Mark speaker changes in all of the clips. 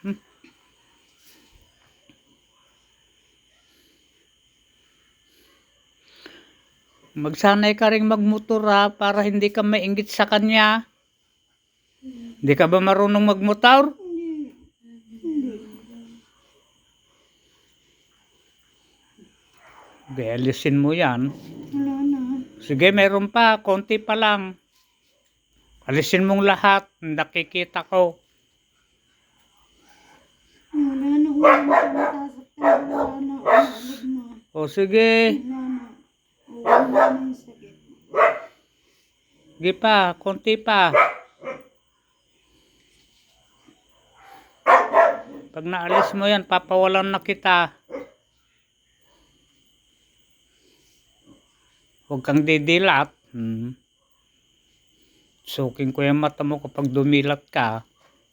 Speaker 1: Magsanay ka ring magmotor ha, para hindi ka mainggit sa kanya. Hindi ka ba marunong magmotor? Okay, alisin mo yan.
Speaker 2: Wala na.
Speaker 1: Sige, meron pa. Konti pa lang. Alisin mong lahat. Nakikita ko.
Speaker 2: Wala na. Wala na. Wala na. Wala na.
Speaker 1: O sige.
Speaker 2: Wala na. Wala na yung sakit.
Speaker 1: Sige pa. Konti pa. Pag naalis mo yan, papawalan na kita. Huwag kang didilat. Suking ko yung mata mo kapag dumilat ka.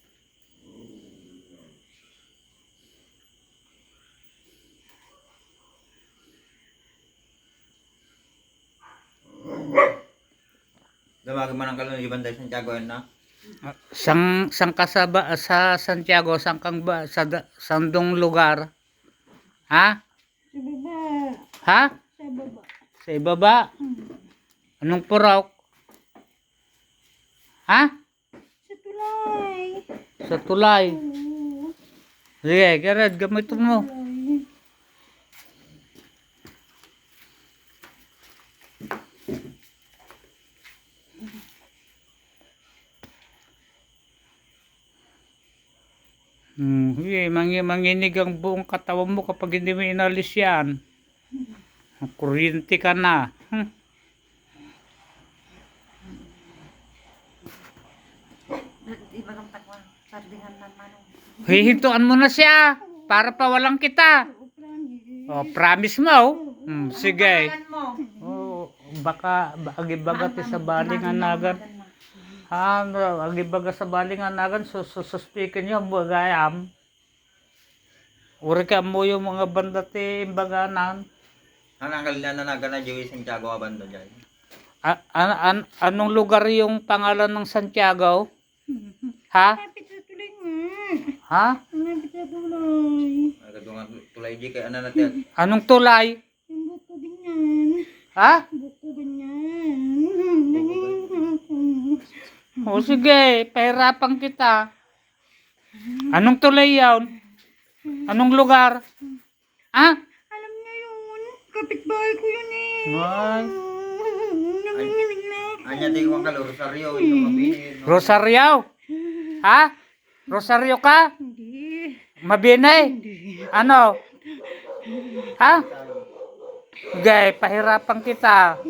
Speaker 3: Dumagi man ang kalong ibang tayo Santiago yan na.
Speaker 1: Sang ka sa Santiago, sang kang ba sa sandong lugar? Ha?
Speaker 2: Sa baba.
Speaker 1: Ha?
Speaker 2: Sa baba.
Speaker 1: Sa ibaba? Anong purok? Ha?
Speaker 2: Sa tulay.
Speaker 1: Sa tulay.
Speaker 2: Oo.
Speaker 1: Sige, Gerard, gamitin mo.
Speaker 2: Tulay.
Speaker 1: Manginig ang buong katawan mo kapag hindi mo inalis yan. Kuryente ka na. Hihintuan mo na siya para pawalan kita. Oh, promise mo. Sige. Oh, baka agibagat sa balinganagan. Agibaga sa balinganagan suspikin niyo bagayam. Uri ka mo yung mga banda ti imbaganan.
Speaker 3: Anong kalinanagan na Joey Santiago abando dyan?
Speaker 1: Anong lugar yung pangalan ng Santiago? Ha?
Speaker 2: Lapit sa tulay nga.
Speaker 1: Ha?
Speaker 2: Lapit sa tulay.
Speaker 3: Nagkadungan tulay di kay ano natin.
Speaker 1: Anong tulay?
Speaker 2: Yung buko ganyan.
Speaker 1: Ha?
Speaker 2: Buko ganyan.
Speaker 1: O sige, pahirapan kita. Anong tulay yun? Anong lugar? Ha?
Speaker 2: Alam niya yun. Kapitbahay ko yun eh.
Speaker 1: Ay.
Speaker 2: Nanginginig na ako.
Speaker 3: Anya di ko ang kalo Rosario ito mabinin.
Speaker 1: Rosario? Ha? Rosario ka?
Speaker 2: Hindi.
Speaker 1: Mabinay? Ano? Ha? Sige, pahirapan kita.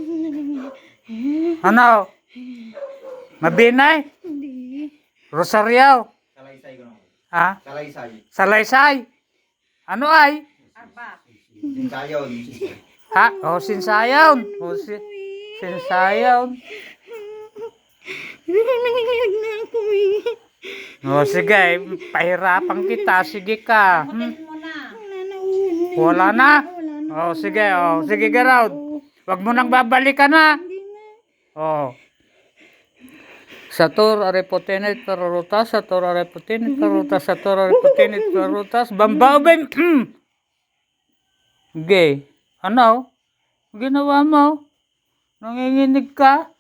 Speaker 1: Ano? Mabinay?
Speaker 2: Hindi.
Speaker 1: Rosario?
Speaker 3: Salaysay ko na.
Speaker 1: Ha?
Speaker 3: Salaysay.
Speaker 1: Salaysay? Ano ay?
Speaker 3: Sinsayon.
Speaker 1: Ha? O, sinsayaw. O, sinsayaw.
Speaker 2: Nanginginig na ako eh.
Speaker 1: O, sige, pahirapan kita. Sige ka.
Speaker 2: Wala na.
Speaker 1: Wala na?
Speaker 2: Wala na.
Speaker 1: O, sige, o. Sige, Gerald. Huwag mo nang babalikan na.
Speaker 2: Hindi na.
Speaker 1: O. Satur arepotenet perutas, satur arepotenet perutas, satur arepotenet perutas, bambawin. Gay. Ano? Ginawa mo? Nanginginig ka?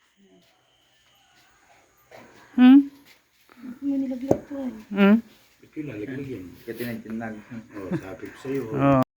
Speaker 2: May nilaglag ko.
Speaker 1: Hmm?
Speaker 3: Katinag-tinag.
Speaker 1: Oh.